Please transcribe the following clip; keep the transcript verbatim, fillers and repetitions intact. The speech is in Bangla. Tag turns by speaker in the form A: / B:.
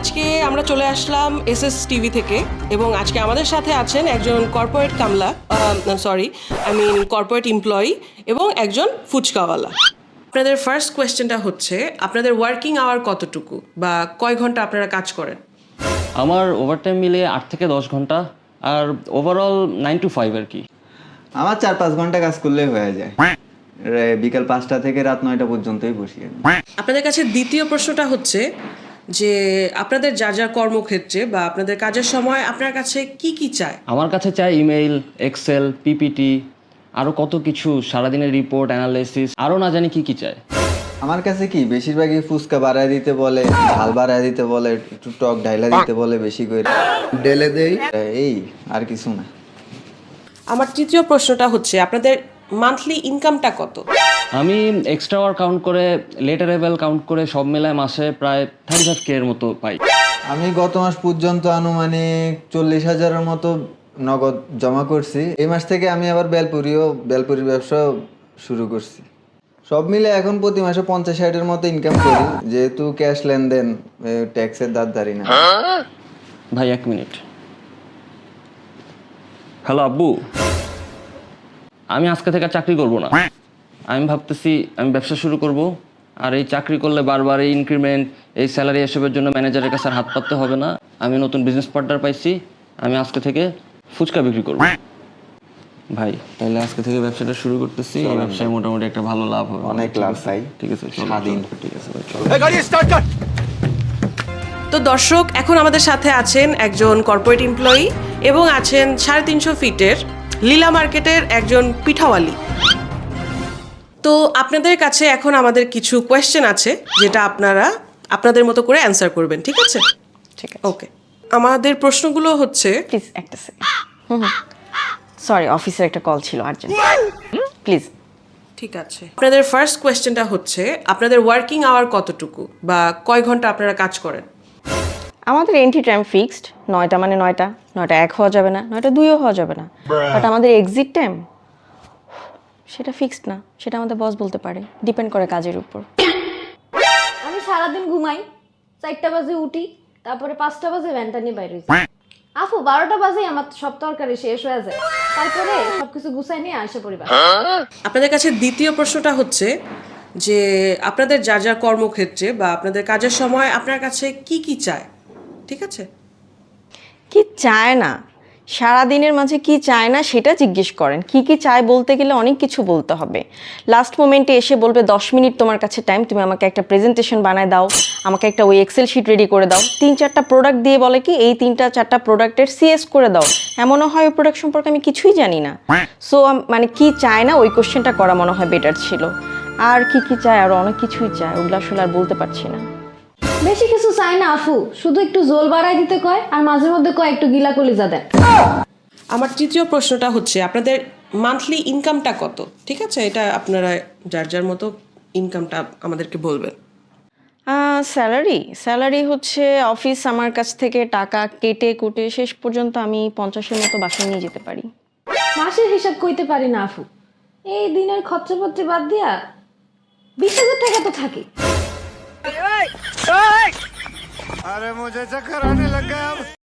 A: আজকে আমরা চলে আসলাম এস এস টিভি থেকে এবং আজকে আমাদের সাথে আছেন একজন কর্পোরেট কামলা sorry I mean corporate employee এবং একজন ফুচকাওয়ালা। আপনাদের ফার্স্ট কোয়েশ্চেনটা হচ্ছে আপনাদের ওয়ার্কিং আওয়ার কতটুকু বা কয় ঘন্টা আপনারা কাজ করেন?
B: আমার ওভারটাইম মিলিয়ে আট থেকে দশ ঘন্টা আর ওভারঅল নাইন টু ফাইভ আর কি।
C: আমার চার পাঁচ ঘন্টা কাজ করলেই হয়ে যায়। বিকাল পাঁচটা থেকে রাত নয়টা পর্যন্তই বসি।
A: আপনাদের কাছে দ্বিতীয় প্রশ্নটা হচ্ছে যে আপনাদের যা যা কর্মক্ষেত্রে বা আপনাদের কাজের সময় আপনার কাছে কি কি চায়?
B: আমার কাছে চাই ইমেইল, এক্সেল, পিপিটি, আরও কত কিছু, সারাদিনের রিপোর্ট, অ্যানালাইসিস, আরও না জানি কি কি চায়।
C: আমার কাছে কি বেশিরভাগই ফুচকা বাড়ায় দিতে বলে, ঝাল বাড়ায় দিতে বলে, একটু টক ঢাইলা দিতে বলে, বেশি করে ঢেলে দেই, এই আর কিছু না।
A: আমার তৃতীয় প্রশ্নটা হচ্ছে আপনাদের মান্থলি ইনকামটা কত?
B: আমি এক্সট্রা আওয়ার কাউন্ট করে, লেট অ্যারাইভাল কাউন্ট করে সব মেলায় মাসে প্রায় থার্টি ফাইভ কে এর মতো পাই।
C: আমি গত মাস পর্যন্ত আনুমানিক চল্লিশ হাজারের মতো নগদ জমা করছি। এই মাস থেকে আমি আবার বেলপুরিও বেলপুরির ব্যবসা শুরু করছি। সব মিলে এখন প্রতি মাসে পঞ্চাশ ষাটের মতো ইনকাম করি, যেহেতু ক্যাশ লেনদেন, ট্যাক্সের দাঁত দাঁড়ি না।
B: ভাই এক মিনিট। হ্যালো আব্বু, আমি আজকে থেকে চাকরি করব না। আমি ভাবতেছি আমি ব্যবসা শুরু করব, আর এই চাকরি করলে বারবার এই ইনক্রিমেন্ট, এই স্যালারি এসবের জন্য ম্যানেজারের কাছে আর হাত পাততে হবে না। আমি নতুন বিজনেস পার্টনার পাইছি, আমি আজকে থেকে ফুচকা বিক্রি করব। ভাই তাহলে আজকে থেকে ব্যবসাটা শুরু করতেছি। এই ব্যবসায় মোটামুটি একটা ভালো লাভ হবে।
C: অনেক লাভ ভাই।
B: ঠিক আছে,
C: স্বাধীন।
B: ঠিক আছে ভাই, চলো।
A: তো দর্শক, এখন আমাদের সাথে আছেন একজন কর্পোরেট এমপ্লয়ি এবং আছেন সাড়ে তিনশো ফিটের লীলা মার্কেটের একজন পিঠাওয়ালি। তো আপনাদের কাছে এখন আমাদের কিছু কোয়েশ্চেন আছে যেটা আপনারা আপনাদের মতো করে অ্যান্সার করবেন, ঠিক আছে?
D: ঠিক আছে,
A: ওকে। আমাদের প্রশ্নগুলো হচ্ছে,
D: প্লিজ একটা সেকেন্ড। হুম হুম সরি, অফিসের একটা কল ছিল আর্জেন্ট, প্লিজ।
A: ঠিক আছে, আপনাদের ফার্স্ট কোয়েশ্চেনটা হচ্ছে আপনাদের ওয়ার্কিং আওয়ার কতটুকু বা কয় ঘন্টা আপনারা কাজ করেন?
D: আমাদের এন্ট্রি টাইম ফিক্সড, নয়টা মানে নয়টা, নয়টা এক হওয়া যাবে না, নয়টা দুইও হওয়া যাবে না। বাট আমাদের এক্সিট টাইম সেটা ফিক্সড না, সেটা আমাদের বস বলতে পারে, ডিপেন্ড করে কাজের উপর।
E: আমি সারাদিন ঘুমাই, চারটা বাজে উঠি, তারপরে পাঁচটা বাজে ভ্যানটা নিয়ে বাইরে হয়েছি। আফু বারোটা বাজে আমার সব তরকারি শেষ হয়ে যায়, তারপরে সবকিছু গুছাই নিয়ে আসে পরিবার।
A: আপনাদের কাছে দ্বিতীয় প্রশ্নটা হচ্ছে যে আপনাদের যা যা কর্মক্ষেত্রে বা আপনাদের কাজের সময় আপনার কাছে কি কি চায়, ঠিক আছে?
D: কি চায় না, সারা দিনের মাঝে কি চায় না সেটা জিজ্ঞেস করেন। কি কি চায় বলতে গেলে অনেক কিছু বলতে হবে। লাস্ট মোমেন্টে এসে বলবে দশ মিনিট তোমার কাছে টাইম, তুমি আমাকে একটা প্রেজেন্টেশন বানায় দাও, আমাকে একটা ওই এক্সেল শিট রেডি করে দাও। তিন চারটা প্রোডাক্ট দিয়ে বলে কি এই তিনটা চারটা প্রোডাক্টের সিএস করে দাও। এমনও হয় ওই প্রোডাক্ট সম্পর্কে আমি কিছুই জানি না। সো মানে কি চায় না ওই কোশ্চেনটা করা মনে হয় বেটার ছিল। আর কি কি চায়, আরও অনেক কিছুই চায়, ওগুলো আসলে আর বলতে পারছি না।
E: বেশি কিছু চাই না আফু, শুধু একটু জোল বাড়াই দিতে কয় আর মাঝে মধ্যে কয় একটু গিলা কলিজা দেন।
A: আমার তৃতীয় প্রশ্নটা হচ্ছে আপনাদের মান্থলি ইনকামটা কত, ঠিক আছে? এটা আপনারা যার যার মতো ইনকামটা আমাদেরকে বলবেন।
D: স্যালারি স্যালারি হচ্ছে অফিস আমার কাছ থেকে টাকা কেটে কুটে শেষ পর্যন্ত আমি পঞ্চাশের মতো বাসায় নিয়ে যেতে পারি।
E: মাসের হিসাব কইতে পারি না আফু, এই দিনের খরচাপত্র বাদ দিয়া বিশ হাজার টাকা তো থাকে।
F: अरे मुझे चक्कर आने लग गया अब।